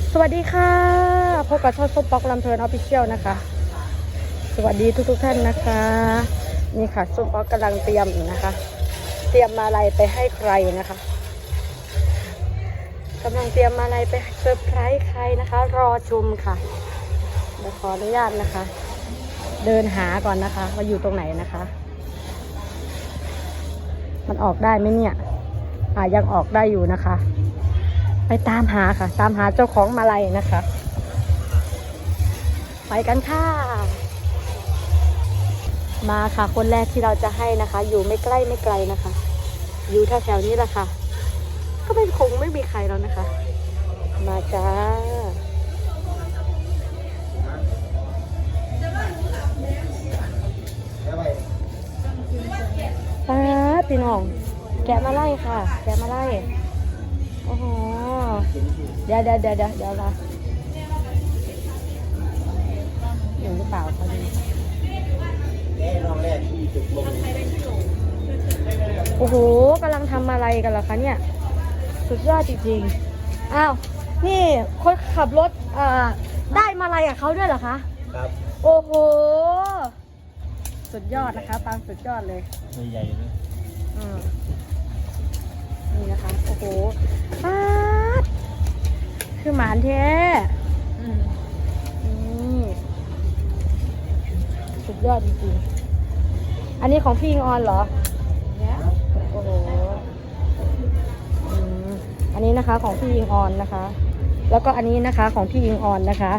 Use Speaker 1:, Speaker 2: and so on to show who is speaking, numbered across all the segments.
Speaker 1: สวัสดีค่ะพบกับช่องส้มป๊อกลำเพลินออฟฟิเชียลนะคะสวัสดีทุกท่านนะคะนี่ค่ะส้มป๊อกกำลังเตรียมอยู่นะคะเตรียมมาลัยไปให้ใครนะคะกำลังเตรียมมาลัยไปเซอร์ไพรส์ใครนะคะ รอชมค่ะเดี๋ยวขออนุญาตนะคะเดินหาก่อนนะคะว่าอยู่ตรงไหนนะคะมันออกได้ไหมเนี่ยยังออกได้อยู่นะคะไปตามหาค่ะตามหาเจ้าของมาลัยนะคะไปกันค่ะมาค่ะคนแรกที่เราจะให้นะคะอยู่ไม่ใกล้ไม่ไกลนะคะอยู่แถวๆนี้แหละค่ะก็คงไม่มีใครแล้วนะคะมาจ้าพี่น้องแกะมาไล่ค่ะแกะมาไล่โอ้โหเดี๋ยวละอยู่หรือเปล่าเขาดูโอ้โหกำลังทำอะไรกันล่ะคะเนี่ยสุดยอดจริงๆอ้าวนี่คนขับรถได้มาอะไรกับเขาด้วยเหรอคะครับโอ้โหสุดยอดนะคะปังสุดยอดเลยใหญ่เลยนี่นะคะโอ้โหคือหมานแท้สุดยอดจริงๆอันนี้ของพี่อิงออนเหรอโอ้โหอันนี้นะคะของพี่อิงออนนะคะแล้วก็อันนี้นะคะของพี่อิงออนนะคะ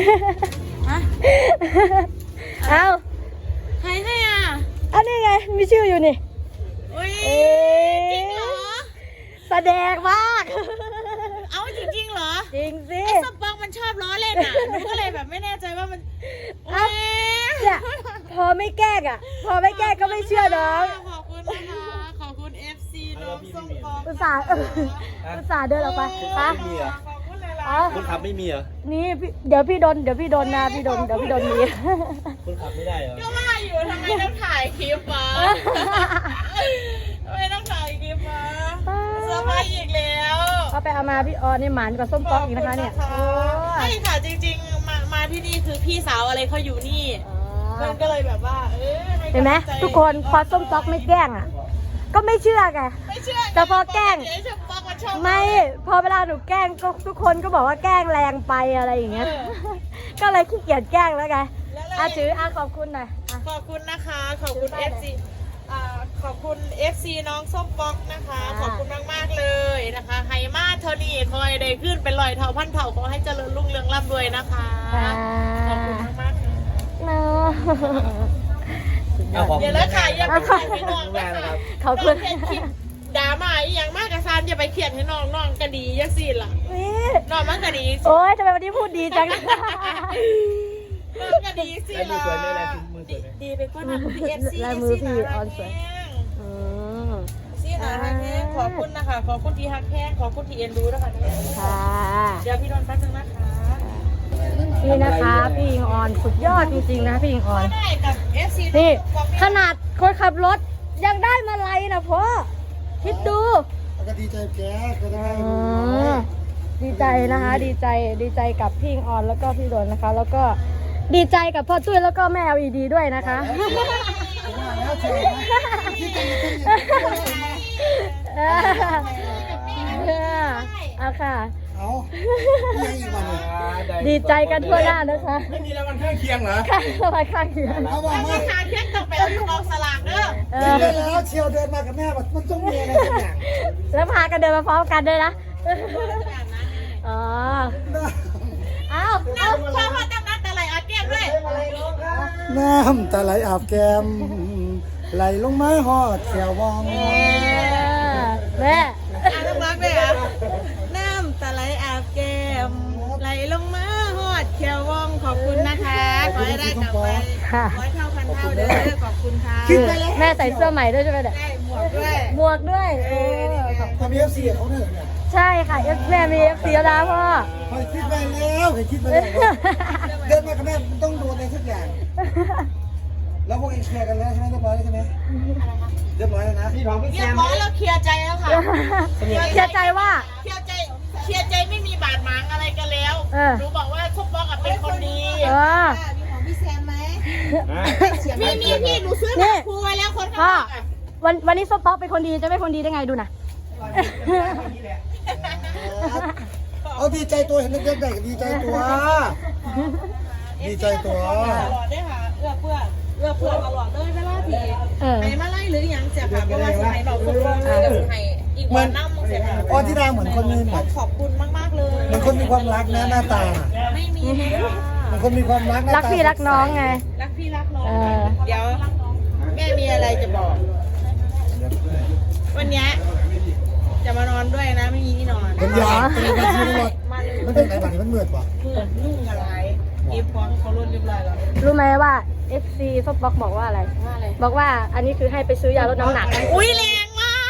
Speaker 1: เอา
Speaker 2: ใครให้อ่ะ
Speaker 1: อันนี้ไงมีชื่ออยู่นี่
Speaker 2: จริงเหรอ
Speaker 1: แสดงมาก
Speaker 2: เอาจริงเหรอ
Speaker 1: จริงสิ
Speaker 2: ไอ้สปองมันชอบล้อเล่นอ่ะหนูก็เลยแบบไม่แน่ใจว่ามัน
Speaker 1: เนี่ยพอไม่แกล้งพอไม่แกล้งก็ไม่เชื่อน้อง
Speaker 2: ขอบคุณนะคะขอบคุณ FC น้องส้มปอง
Speaker 1: อุตส่าห์เดินออกไป
Speaker 3: ค่ะคนขับไม่มีเหรอ
Speaker 1: นี่เดี๋ยวพี่โดนนะพี่โดนมี
Speaker 3: คนขับไม่ได้เหรอ
Speaker 2: ก็ว่าอยู่ทำไมต้องถ่ายคลิปมาทำไมต้องถ่ายคลิปมาเซอร์ไพรส์อีกแล้ว
Speaker 1: เอาไปเอามาพี่ออนนี่หมานกับส้มป๊อกอีกนะคะเนี่ย
Speaker 2: ใช่ค่ะจริงๆมาที่นี่คือพี่สาวอะไรเขาอยู่นี่มันก็เลยแบบว่า
Speaker 1: เห็นไหมทุกคนพอส้มป๊อกไม่แกล้งก็ไม่เชื่อไงแต่พอแกล้งไม่พอเวลาหนูแกล้งก็ทุกคนก็บอกว่าแกล้งแรงไปอะไรอย่างเงี้ยก็เลยขี้เกียจแกล้งแล้วไงถือขอบคุณหน่อย
Speaker 2: ขอบคุณนะคะขอบคุณ FC ขอบคุณ FC น้องส้มป๊อกนะคะขอบคุณมากๆเลยนะคะไฮมาเทอนี่คอยได้ขึ้นเป็นรอยเท่าพันเท่าขอให้เจริญรุ่งเรืองร่ำรวยนะคะขอบคุณมากๆ
Speaker 1: นะ
Speaker 2: อย่าเลยค่ะอย่าไปถ่ายให้น้องนะคะ
Speaker 1: ขอบคุณ
Speaker 2: ด่ามาอย่างมากกระซานอย่าไปเขียนให้น้องกระดียักษ์สิล่ะน้องมันกระดี
Speaker 1: โอ๊ยทำไมวันนี้พูดดีจัง
Speaker 2: น้องกระดีสิล่ะดีไปกว่านั้น
Speaker 1: ลายมือพี่ออนสวย
Speaker 2: สินะฮักแห้งขอบคุณนะคะขอบคุณที่ฮักแห้งขอบคุณที่เอ็นดูนะคะ
Speaker 1: ค่ะ
Speaker 2: เดี๋ยวพี่โดนแป๊บนึงนะคะ
Speaker 1: นี่นะคะพี่อิงออนสุดยอดจริงๆนะพี่อิงออนนี่ขนาดคนขับรถยังได้มาลัยนะพ่อคิดดู
Speaker 3: ก็ดีใจแกก็ได้
Speaker 1: ดีใจนะคะดีใจกับพี่อิงออนแล้วก็พี่โดนนะคะแล้วก็ดีใจกับพ่อตุ้ยแล้วก็แม่ LED ด้วยนะคะเอาค่ะดีใจกันทั่วหน้านะคะ
Speaker 3: ไม่มีรางวัลข้างเคียงเหรอ
Speaker 1: รางวัลข้างเคียง
Speaker 2: เขาบอกว่าข้างเคียงต้องไปเอาที่กองสลากเด้อ
Speaker 3: แล้วเชียวเดินมากับแม่แบบมันต้องมีอะไรสักอย่าง
Speaker 1: แล้วพากันเดินมาพร้อมกันด้วยนะอ๋อเอา
Speaker 2: พ่อตั้งน้ำตาไหลอาบแก้มด้วย
Speaker 3: น้ำตาไหลอาบแก้มไหลลงไม้หอดแขววอง
Speaker 1: แม่
Speaker 2: ต้องรักแม่น้ำตาไหลอาบแก้มไหลลงมาหอดแขววองขอบคุณนะคะขอให้ได้กลับไปร้อยเท่าพันเท่าเด้อขอบคุณค่ะ
Speaker 1: แม่ใส่เสื้อใหม่ด้วยใช่ไหมเนี่ยหมวกด้วย
Speaker 3: ทำเอฟซีเขาเนี่ย
Speaker 1: ใช่ค่ะแม่มีFCแล้วพ่อ
Speaker 3: คิดไปแล้วคิดไปแล้วเดินมากับแม่ต้องโดนอะไรสักอย่างแล้วพวกเองเคลียร์กันแล้วใช่ไหมเรียบร้อยแล้วใช่ไหมเรียบร้อยแล้วนะพี่ทองพี่แซม
Speaker 2: เรียบร้อยแล้วเคลียร์ใจแล้วค่ะ
Speaker 1: เคลียร์ใจว่า
Speaker 2: เคลียร์ใจไม่มีบาดหมางอะไรกันแล้วหนูบอกว่าส้มป๊อกเป็นคนดี
Speaker 1: เออ
Speaker 4: มีของพี่แซมไหม
Speaker 2: มีพี่หนูซื้อหนังครูไว้แล้วคนข้างนอกอ่ะ
Speaker 1: วันนี้ส้มป๊อกเป็นคนดีจะไม่คนดีได้ไงดูนะ
Speaker 3: เอาดีใจตัวเห็นเด็กๆได้ดีใจตัว ดีใจตัว
Speaker 2: ตลอดได้ค่ะเอื้อเพื่อตลอดเลยเวลาที่ ไหนมาไล่หรือยังเสียค่ะเพราะว่าสมัยเราคนร้องเลยกับไทยอีกวันนั่งมึงเสียค่ะ
Speaker 3: อ๋อที่ดาเหมือนคนมีแบบ
Speaker 2: ขอบคุณมากๆเลย
Speaker 3: เหมือนคนมีความรักนะหน้าตา
Speaker 2: ไม่มีเลยค่ะ
Speaker 3: เหมือนคนมีความรักหน้าตา
Speaker 1: รักพี่รักน้องไง
Speaker 2: รักพี่รักน้อง
Speaker 1: เออ
Speaker 2: เดี๋ยวแม่มีอะไรจะบอก วันนี้จะมานอนด้วยนะไม่มีที่นอน
Speaker 3: เป็นยาเป็นยาที่ตลอด
Speaker 2: มาเลย
Speaker 3: มันเป็นไหนบ้างมันเหมือดป่ะ
Speaker 2: เพื่อนนุ่งอะไรเอฟพร้อมเขารุ่นเรียบร้อยแล้ว
Speaker 1: รู้ไหมว่า FC ส้มป๊อกบอกว่าอะไร
Speaker 2: ว่าอะไร
Speaker 1: บอกว่าอันนี้คือให้ไปซื้อยาลดน้ำหนัก
Speaker 2: อุ้ยแรงมาก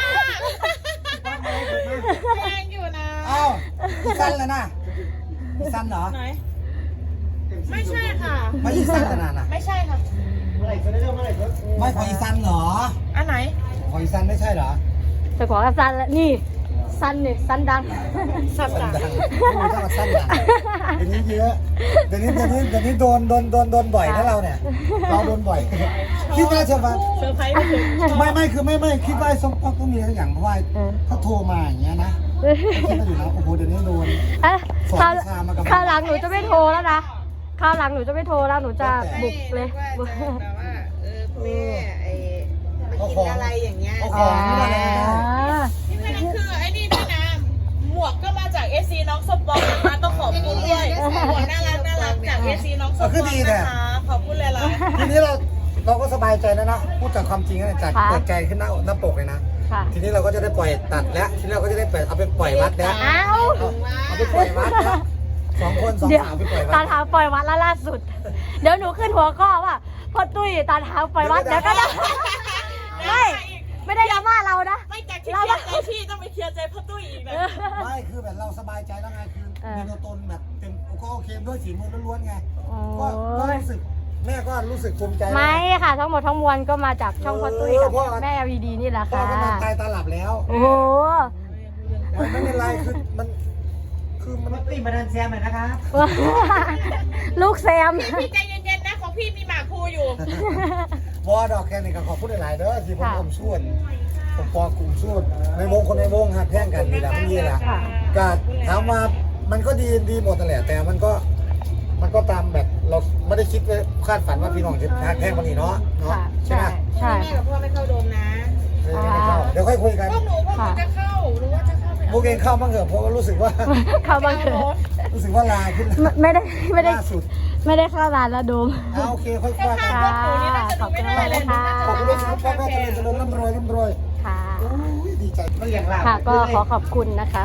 Speaker 2: แรงอยู่นะ
Speaker 3: อ้าวอีสันเลยนะอีสันเหรอ
Speaker 2: ไหนไม่ใช่ค่ะ
Speaker 3: ไม่อีสันขนาดน่ะ
Speaker 2: ไม่ใช่ค่ะ
Speaker 3: ไม่ขออีสันเหรอ
Speaker 2: อันไหน
Speaker 3: ขออีสันไม่ใช่เหรอ
Speaker 1: จะขอกับซันแล้วนี่ซันเนี่ยซันดัง
Speaker 2: สับ
Speaker 3: สั้น
Speaker 2: ดั
Speaker 3: ดั
Speaker 2: ง
Speaker 3: งไม่ต้องมาสั้นดังเดี๋ยวนี้เยอะเดี๋ยวนี้โดนบ่อยนะเราเนี่ยเราโดนบ่อยคิดว่าจะมา
Speaker 2: เซอร์ไพรส์ไปถึง
Speaker 3: ไม่คือไม่คิดว่าส้มป๊อกต้องมีอะไรอย่างเพราะว่าเขาโทรมาอย่างเงี้ยนะคิดว่าอยู่นะโอ้โหเดี๋ยวนี้โดน
Speaker 1: อ่ะ
Speaker 3: สอน
Speaker 1: คราว
Speaker 3: วิชามากับ
Speaker 1: คราวหลังหนูจะไม่โทรแล้วนะคราวหลังหนูจะไม่โทรแล้วหนูจะบุกเลย
Speaker 2: ว่าจะแบบว่าแม่มากินอะไรอย่างเงี้ย
Speaker 3: เอาของไม่ได้เลยนะ
Speaker 2: นี่มันคือไอ้นี่ด้วยนะหมวกก็มาจาก SC น้องสปองนะคะต้องขอบคุณด้วยหมวกน่ารักจาก SC น้องสปองนะคะขอบคุณเลยล่ะ
Speaker 3: ทีนี้เราก็สบายใจแล้วนะพูดจากความจริงนะจากเปิดใจขึ้นหน้าปกเลยนะ
Speaker 1: ค่ะ
Speaker 3: ทีนี้เราก็จะได้ปล่อยตัดแล้วทีนี้เราก็จะได้เอาไปปล่อยวัดแล้ว
Speaker 1: อ้าว
Speaker 3: เอาไปปล่อยวัดแล้วสองคนสอง
Speaker 1: เดี๋ยว
Speaker 3: สาวไปปล่อยวัด
Speaker 1: ตาเท้าปล่อยวัดแล้วล่าสุด เดี๋ยวหนูขึ้นหัวข้อว่าพ่อตุ้ยตาเท้าปล่อยวัดเดี๋ยวก็ได้ไม่ได้ดราม่าเรานะ
Speaker 2: ไม่จากที่เคลียร์ใจพี่ต้องไปเคลียร์ใจพ่อตุ้ยอีกนะ
Speaker 3: ไม่คือแบบเราสบายใจแล้วไงคือมีตัวตนแบบเต็มก็โอเคด้วยฝีมือล้วนๆไงก็รู้สึกแม่ก็รู้สึกภูมิใจ
Speaker 1: ไม่ค่ะ ทั้งหมดทั้งมวลก็มาจากช่องพ่อตุ้ยกับแม่ LED นี่แหละ
Speaker 3: พ่อ
Speaker 1: ค่ะ
Speaker 3: ก็นอนตายตาหลับแล้ว
Speaker 1: โอ้โห
Speaker 3: ไม่เป็นไรคือมันตีมาดันแซมหน่อยนะครับ
Speaker 1: ลูกแซม
Speaker 2: พี่ใจเย็นๆนะของพี่มีหมากภูอยู่
Speaker 3: วอดอกแค่นี้ก็ขอพูดหลายๆเด้อที่ผมส่วนผมปอกลุ่มส่วนในวงคนในวงหักแท่งกันนี่แหละมันยี่แหละก็ถามว่ามันก็ดีหมดนั่นแหละแต่มันก็ตามแบบเราไม่ได้คิดไว้คาดฝันว่าพี่น้องจะหักแท่งวันนี้เนาะใช่ไหม
Speaker 1: ใช่
Speaker 2: แม่กับพ่อไม่เข้าโดมนะ
Speaker 3: เดี๋ยวค่อยคุยกัน
Speaker 2: พวกหนูจะเข้าหรือว่าจะเข้าไป
Speaker 3: พวกเองเข้าบ้างเถอะเพราะว่ารู้สึกว่า
Speaker 1: เข้าบ้างเถอะ
Speaker 3: รู้สึกว่าลาขึ้น
Speaker 1: ไม่ได้
Speaker 3: ล่าสุด
Speaker 1: ไม่ได้เข้าร้านแล้วดูม
Speaker 3: โอเคค่อยคุยกัน
Speaker 1: ค่ะขอบคุณมากเลยค่ะ
Speaker 3: ขอบคุณด้วยครับพ่อแม่เจริญร่ำรวย
Speaker 1: ค่ะ
Speaker 3: โอ้ยดีใจไม่อย่างไร
Speaker 1: ค่ะก็ขอขอบคุณนะคะ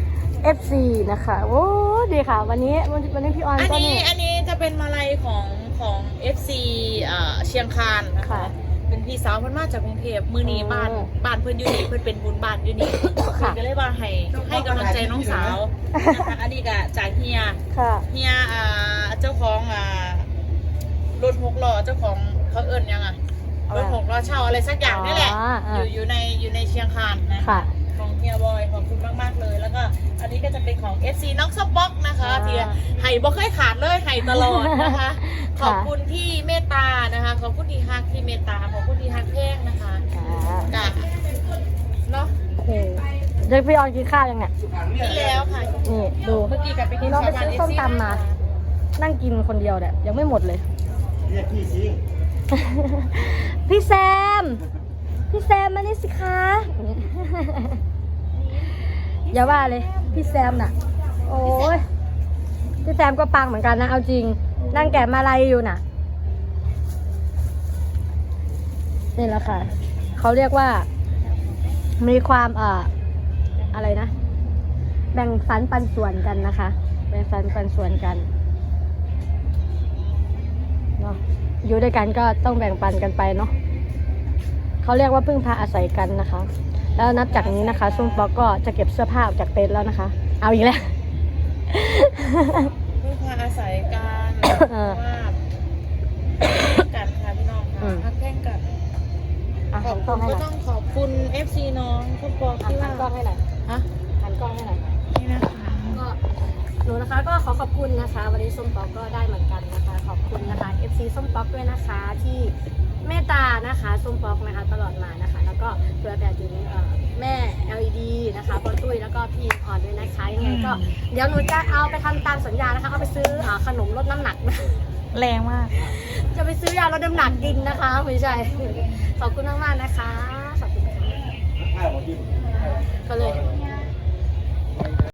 Speaker 1: FC นะคะโอ้ดีค่ะ วันนี้พี่ออน
Speaker 2: อัน
Speaker 1: ก็
Speaker 2: นี้
Speaker 1: นี่
Speaker 2: อันนี้จะเป็นมาลัยของ FC เชียงคานนะคะ
Speaker 1: ค่ะ
Speaker 2: เป็นพี่สาวเพิ่นมาจากกรุงเทพมือนีบ้านเพิ่นอยู่นี่เพิ่นเป็นบุญบ้านอยู่นี่
Speaker 1: ค่ะ
Speaker 2: ก็เลยว่าให้กำลังใจน้องสาวนะคะอันนี้ก็จากเฮีย
Speaker 1: ค่ะ
Speaker 2: เฮียเจ้าของรถหกล้อเจ้าของเขาเอิ้นยังรถหกล้อเช่าอะไรสักอย่างนี่แหละอยู่ในเชียงคานนะ
Speaker 1: ค่ะ
Speaker 2: ของเฮียบอยขอบคุณมากๆเลย แล้วก็อันนี้ก็จะเป็นของ FC น้องสป็อกนะคะที่ไห่บ่เคยขาดเลยไห่ตลอดนะคะ ขอบคุณที่เมตตานะคะ ขอบคุณที่ฮักที่เมตตาขอบคุณที่ฮักแพงนะคะ
Speaker 1: ค่ะ
Speaker 2: กะเนาะ
Speaker 1: เดี๋ยวพี่ออนกินข้าวยังเนี่ย
Speaker 2: ที่แล้วค่ะ
Speaker 1: นี่ดู
Speaker 2: เมื่อกี้กลับไปกิ
Speaker 1: นี่
Speaker 2: น
Speaker 1: น้องไป
Speaker 2: ชาวบ้าน
Speaker 1: ซื้อส้มตำมา นั่งกินคนเดียวเนี่ยยังไม่หมดเลย
Speaker 3: เรียกพี่สิ
Speaker 1: พี่แซมมานี่สิคะอย่าว่าเลย พี่แซมน่ะ โอ้ยพี่แซมก็ปังเหมือนกันนะเอาจริง นั่งแกะมาลัยอยู่น่ะนี่แหละค่ะเขาเรียกว่ามีความอะไรนะ แบ่งสรรปันส่วนกันนะคะแบ่งสรรปันส่วนกันเนาะอยู่ด้วยกันก็ต้องแบ่งปันกันไปเนาะเขาเรียกว่าพึ่งพาอาศัยกันนะคะ แล้วนับจากนี้นะคะซุ่มป๊อกก็จะเก็บเสื้อผ้าออกจากเต็นท์แล้วนะคะ เอาอีกแล้ว
Speaker 2: พึ่งพาอาศัยกัน
Speaker 1: เออ
Speaker 2: ว่ากันค่ะพี่น้องค่ะฮักแพงกัน
Speaker 1: อ่ะ
Speaker 2: ข
Speaker 1: หั
Speaker 2: อบ
Speaker 1: นก
Speaker 2: คุ
Speaker 1: ล้อง
Speaker 2: ณ
Speaker 1: ให้ห
Speaker 2: ก็
Speaker 1: น่อย
Speaker 2: ต้องขอบคุณ FC น้องคุณปอ
Speaker 1: หั
Speaker 2: ที่
Speaker 1: น
Speaker 2: ว่าก
Speaker 1: ล้องให้หน่อย
Speaker 2: ฮะ
Speaker 1: หันกล้องให้หน่อย
Speaker 2: นี่นะคะ
Speaker 1: ก็หนูนะคะก็ขอขอบคุณนะคะ วันนี้ส้มป๊อกก็ได้เหมือนกันนะคะ ขอบคุณนะคะ FC ส้มป๊อกด้วยนะคะที่เมตตานะคะส้มป๊อกนะคะตลอดมานะคะ แล้วก็เพื่อแบบถึงแม่ LED นะคะบอลตุ้ยแล้วก็พี่พรด้วยนะคะยังไงก็เดี๋ยวหนูจะเอาไปทำตามสัญญานะคะเอาไปซื้อขนมลดน้ำหนัก
Speaker 2: แรงมาก
Speaker 1: จะไปซื้อยาลดน้ำหนักกินนะคะไม่ใช่ขอบคุณมากๆนะคะขอบคุณค่ะก็เลย